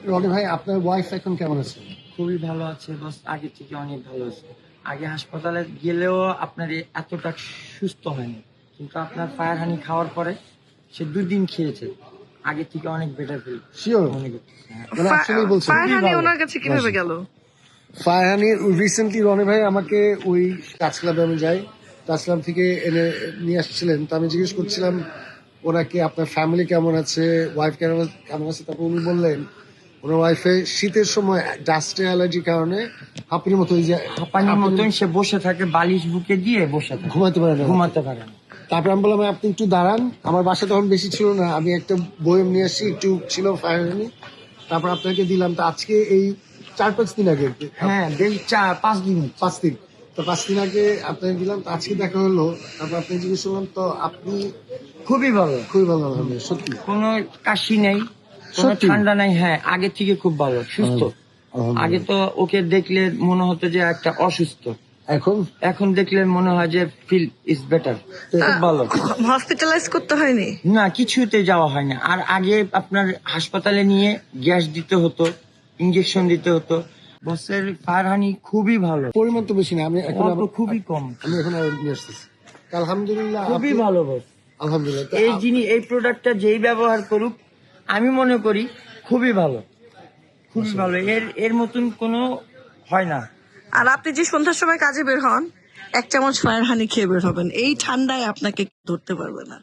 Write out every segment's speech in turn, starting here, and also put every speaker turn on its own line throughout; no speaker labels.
রনি ভাই, আপনার ওয়াইফ এখন কেমন আছে?
খুবই ভালো আছে, বাস আগে থেকে অনেক ভালো আছে। আগে হাসপাতালে গেলেও আপনার এতটা সুস্থ হয়নি, কিন্তু আপনার ফায়ার হানি খাওয়ার পরে সে 2 দিন খেয়েছে, আগে থেকে অনেক বেটার ফিল।
শিওর?
অনেক
মানে আসলেই বলছেন?
ফারহানি ওনার কাছে কিভাবে গেল?
ফারহানি রিসেন্টলি রনি ভাই আমাকে ওই টাচ ক্লাবে আমি যাই, টাচ ক্লাব থেকে এনে নিয়ে আসছিলেন। তো আমি জিজ্ঞেস করছিলাম ওনাকে আপনার ফ্যামিলি কেমন আছে, ওয়াইফ কেমন আছে। তারপর উনি বললেন ওনার ওয়াইফের শীতের সময় ডাস্টে অ্যালার্জির কারণে হাঁপানির মতো,
হাঁপানির মতন সে বসে থাকে, বালিশ বুকে দিয়ে বসে থাকে,
ঘুমাতে পারে না।
ঘুমাতে পারে না।
তারপর আমি বললাম আপনি একটু দাঁড়ান, আমার বাসা তখন বেশি ছিল না, আমি একটা বয়ম নিয়ে আসছি, একটু ছিল ফায়ারহানি, তারপর আপনাকে দিলাম। তো আজকে এই 4-5 দিন আগে,
হ্যাঁ বেশ 4-5 দিন।
5 দিন, তো 5 দিন আগে আপনাকে দিলাম। তো আজকে দেখা হলো, তারপর আপনি জিজ্ঞেস করলাম, তো আপনি
খুবই ভালো,
খুবই ভালো আলহামদুলিল্লাহ। সত্যি
কোনো কাশি নেই, কোনো
সত্যি?
ঠান্ডা নাই। হ্যাঁ আগে থেকে খুব ভালো, সুস্থ।
আলহামদুলিল্লাহ।
আগে তো ওকে দেখলে মনে হতো যে একটা অসুস্থ,
এখন
এখন দেখলে মনে হয় যে ফিল ইজ বেটার, খুব ভালো।
হসপিটালাইজ করতে হয়নি?
না, কিছুতে যাওয়া হয় না। আর আগে আপনার হাসপাতালে নিয়ে গ্যাস দিতে হতো, ইঞ্জেকশন দিতে হতো। বসের ফায়ারহানি খুবই ভালো,
পরিমাণ তো বেশি না, আমি এখন
অল্প, খুবই কম,
আমি এখন আর নিয়ে আসতেছি। আলহামদুলিল্লাহ,
খুবই
আপনি-
ভালো বস।
আলহামদুলিল্লাহ। তো
এই প্রোডাক্টটা যেই ব্যবহার করুক, আমি মনে করি খুবই ভালো, খুবই ভালো। এর মতন কোনো হয় না।
আর আপনি যে সন্ধ্যার সময় কাজে বের হন, 1 চামচ ফারহানি খেয়ে বের হবেন, এই ঠান্ডায় আপনাকে ধরতে পারবে না।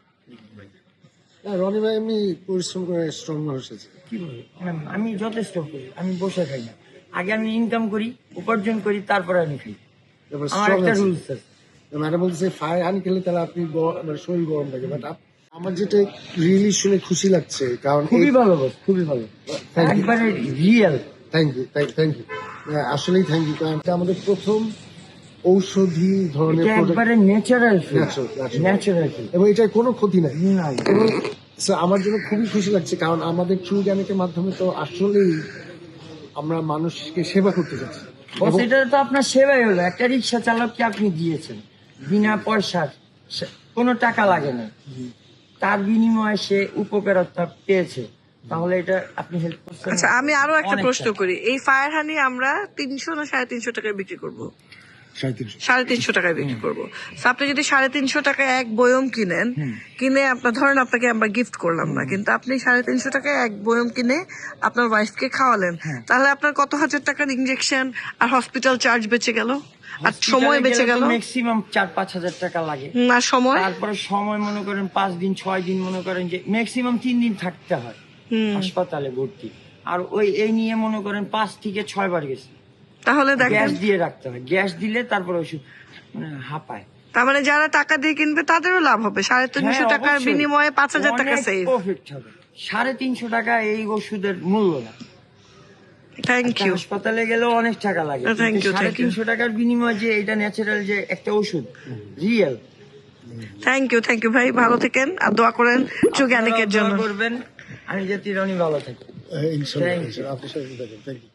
না, রনি ভাই এমনি পরিশ্রম করে স্ট্রং মানুষ আছে।
কি বলি, আমি যথেষ্ট করি, আমি বসে খাই না। আগে আমি ইনকাম করি, উপার্জন করি, তারপরে আমি খাই।
তারপর
আমার
strong
একটা
আছে।
রুলস আছে।
ম্যাডাম বলতেছে ফায়ারহানি খেলে তাহলে আপনি মানে শরীর গরম লাগে, বাট আমার যেটা রিয়েলি শুনে খুশি লাগছে, কারণ
খুবই ভালো বস, খুবই ভালো,
Thank you.
একবারে রিয়েল।
থ্যাংক ইউ আসলেই থ্যাংক ইউ, কারণ এটা আমাদের প্রথম ঔষধি ধরনের
এটা
প্রোডাক্ট,
একবারে natural feel,
Natural.
Natural feel.
এবং এটার কোনো ক্ষতি নাই।
না,
এবং so আমার জন্য খুবই খুশি লাগছে, কারণ আমাদের ট্রু জ্ঞানের মাধ্যমে তো আসলেই আমরা মানুষকে সেবা করতে চাচ্ছি।
বস এটা তো আপনার সেবাই হলো। একটা রিক্সা চালককে আপনি দিয়েছেন বিনা পয়সার, কোনো টাকা লাগে না, তার বিনিময়ে সে উপকারতা পেয়েছে, তাহলে এটা আপনি হেল্প করছেন।
আচ্ছা, আমি আরো একটা
অনেকটা।
প্রশ্ন করি। এই ফারহানি আমরা 300 না 350 টাকায় বিক্রি করবো?
350।
350 টাকায় বিক্রি করবো। So, আপনি যদি 350 টাকায় এক বয়ম কিনেন, কিনে আপনার ধরেন আপনাকে আমরা গিফট করলাম না, কিন্তু আপনি 350 টাকায় এক বয়ম কিনে আপনার ওয়াইফকে খাওয়ালেন, তাহলে আপনার কত হাজার টাকার ইনজেকশন আর হসপিটাল চার্জ বেঁচে গেল, আর সময় বেঁচে গেল।
ম্যাক্সিমাম 4-5 হাজার টাকা লাগে।
না সময়,
তারপরে সময় মনে করেন 5 দিন 6 দিন, মনে করেন যে ম্যাক্সিমাম 3 দিন থাকতে হয় হাসপাতালে ভর্তি। আর এই নিয়ে মনে করেন 5 থেকে 6 বার গেছে।
তাহলে দেখেন,
গ্যাস দিয়ে রাখতে হয়, গ্যাস দিলে তারপরে ওষুধ মানে হাঁপায়।
তার মানে যারা টাকা দিয়ে কিনবে তাদেরও লাভ হবে। 350 টাকার বিনিময়ে 5000 টাকা সেভ।
প্রফিট হবে। 350 টাকা এই ওষুধের মূল্য না।
Thank you.
হাসপাতালে গেলেও অনেক টাকা লাগে,
Thank you,
350 টাকার বিনিময়ে যে এটা ন্যাচারাল যে একটা ওষুধ, রিয়েল।
থ্যাংক ইউ ভাই, ভালো থাকেন আর দোয়া করেন জ্ঞানিকের জন্য।
করবেন আমি যাতে রনি ভালো থাকি।
ইনশাআল্লাহ
Thank you.
আপনার সাথে থাকেন। Thank you.